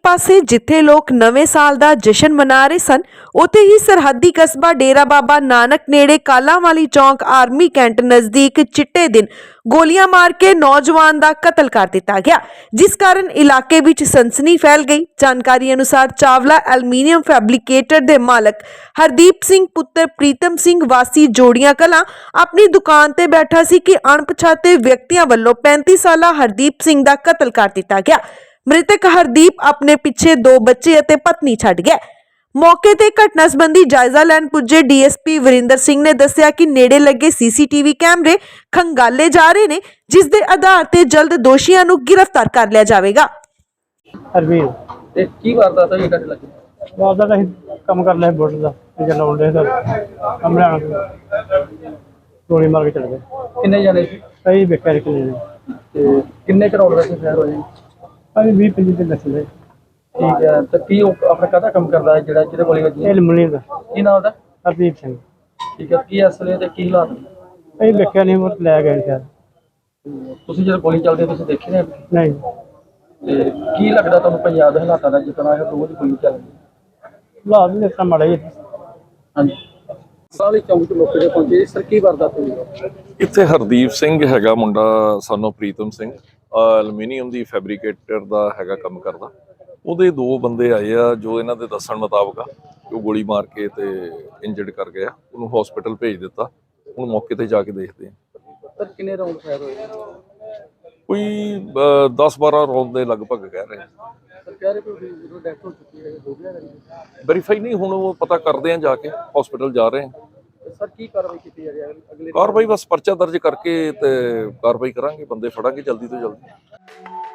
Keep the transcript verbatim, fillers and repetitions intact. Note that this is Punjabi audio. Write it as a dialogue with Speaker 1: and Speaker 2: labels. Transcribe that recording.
Speaker 1: पासे जिथे लोग नवे साल का जश्न मना रहे सन, उत्थे ही सरहदी कस्बा डेरा बाबा नानक नेड़े कालांवाली चौक आर्मी कैंट नजदीक चिट्टे दिन गोलियां मार के नौजवान का कतल कर दिता गया, जिस कारण इलाके विच सनसनी फैल गई। जानकारी अनुसार चावला एल्यूमीनियम फैब्रिकेटर के मालक हरदीप सिंह पुत्र प्रीतम सिंह वासी जोड़ियां कलां अपनी दुकान ते बैठा सी कि अणपछाते व्यक्तियों वालों पैंती साला हरदीप सिंह का कतल कर दिता गया। मृतक हरदीप अपने पिछे दो बच्चे और पत्नी छड्ड गया। मौके ते घटना संबंधी जायजा लैन पुजे डीएसपी वरिंदर सिंह ने दस्सिया कि नेड़े लगे सीसीटीवी कैमरे खंगाले जा रहे ने, जिस दे आधार ते जल्द दोषियों नूं गिरफ्तार कर लिया जाएगा।
Speaker 2: हरवीर
Speaker 3: ਤੇ ਕੀ ਵਾਰਦਾਤ ਹੋਈ ਤੁਹਾਡੇ ਲੱਗੇ?
Speaker 2: ਬਾਅਦ ਦਾ ਅਸੀਂ ਕੰਮ ਕਰ ਲਿਆ ਬੋਟ ਦਾ ਤੇ ਚਲਾਉਣ ਦੇ ਸਰ ਕਮਰੇ ਆਣ ਗੋਲੀ ਮਾਰ ਕੇ ਚਲੇ ਗਏ।
Speaker 3: ਕਿੰਨੇ ਜਣੇ ਸੀ
Speaker 2: ਅਸੀਂ ਵੇਖਿਆ ਕਿ ਨਹੀਂ
Speaker 3: ਤੇ ਕਿੰਨੇ ਕਰੋੜ ਦਾ ਫੈਰ ਹੋਏ?
Speaker 2: ਅਸੀਂ ਵੀਹ ਪੰਜੀ ਦਿਨ ਦੱਸ ਲਏ।
Speaker 3: ਠੀਕ ਹੈ, ਤੇ ਕੀ ਉਹ ਆਪਣਾ ਕਾਹਦਾ ਕੰਮ ਕਰਦਾ ਹੈ ਜਿਹੜਾ ਜਿਹਦੇ ਗੋਲੀ ਵੱਜੀ?
Speaker 2: ਇਹ ਲਮਣੀ ਦਾ
Speaker 3: ਕੀ ਨਾਮ ਉਹਦਾ?
Speaker 2: ਹਰਦੀਪ ਸਿੰਘ।
Speaker 3: ਠੀਕ ਹੈ, ਕੀ ਅਸਲੇ ਤੇ ਕੀ ਹਾਲਾਤ ਨੇ?
Speaker 2: ਅਸੀਂ ਵੇਖਿਆ ਨਹੀਂ, ਉਹ ਲੈ ਗਏ ਸ਼ਾਇਦ।
Speaker 3: ਤੁਸੀਂ ਜਦੋਂ ਗੋਲੀ ਚੱਲਦੀ ਤੁਸੀਂ ਦੇਖੇ ਨੇ?
Speaker 2: ਨਹੀਂ।
Speaker 3: ਤੇ ਕੀ ਲੱਗਦਾ ਤੁਹਾਨੂੰ ਪੰਜਾਬ ਦੇ ਹਾਲਾਤਾਂ ਦਾ ਜਿਤਨਾ ਇਹ ਰੋਜ਼ ਗੋਲੀ ਚੱਲਦੀ?
Speaker 2: ਹਾਲਾਤ ਵੀ ਇਸ ਤਰ੍ਹਾਂ ਮਾੜੇ ਹੀ।
Speaker 3: ਹਾਂਜੀ, ਸਾਲੀ ਚੌਂਕ ਚ ਲੋਕ ਜਿਹੜੇ ਪਹੁੰਚੇ, ਸਰ ਕੀ ਵਾਰਦਾਤ ਹੋਈ?
Speaker 4: ਇੱਥੇ ਹਰਦੀਪ ਸਿੰਘ ਹੈਗਾ ਮੁੰਡਾ, ਸਾਨੂੰ ਪ੍ਰੀਤਮ ਸਿੰਘ, ਐਲੂਮੀਨੀਅਮ ਦੀ ਫੈਬਰੀਕੇਟਰ ਦਾ ਹੈਗਾ ਕੰਮ ਕਰਦਾ। ਉਹਦੇ ਦੋ ਬੰਦੇ ਆਏ ਆ ਜੋ ਇਹਨਾਂ ਦੇ ਦੱਸਣ ਮੁਤਾਬਕ ਆ ਕਿ ਉਹ ਗੋਲੀ ਮਾਰ ਕੇ ਤੇ ਇੰਜਰਡ ਕਰ ਗਿਆ। ਉਹਨੂੰ ਹਸਪੀਟਲ ਭੇਜ ਦਿੱਤਾ। ਹੁਣ ਮੌਕੇ ਤੇ ਜਾ ਕੇ ਦੇਖਦੇ ਆ।
Speaker 3: ਸਰ ਕਿੰਨੇ ਰਾਉਂਡ ਫਾਇਰ ਹੋਏ?
Speaker 4: ਕੋਈ ਦਸ ਬਾਰਾਂ ਰੌਂਦ ਦੇ ਲਗਭਗ ਕਹਿ ਰਹੇ ਆ।
Speaker 3: ਸਰ ਕਹਿ ਰਹੇ ਕਿ ਡੈਥ ਹੋ ਚੁੱਕੀ ਹੈ, ਹੋ ਗਿਆ?
Speaker 4: ਵੈਰੀਫਾਈ ਨਹੀਂ, ਹੁਣ ਉਹ ਪਤਾ ਕਰਦੇ ਆ, ਜਾ ਕੇ ਹਸਪੀਟਲ ਜਾ ਰਹੇ ਆ।
Speaker 3: ਸਰ ਕੀ ਕਾਰਵਾਈ ਕੀਤੀ ਜਾ ਰਹੀ ਹੈ ਅਗਲੇ?
Speaker 4: ਕਾਰਵਾਈ ਬਸ ਪਰਚਾ ਦਰਜ ਕਰਕੇ ਤੇ ਕਾਰਵਾਈ ਕਰਾਂਗੇ, ਬੰਦੇ ਫੜਾਂਗੇ ਜਲਦੀ ਤੋਂ ਜਲਦੀ।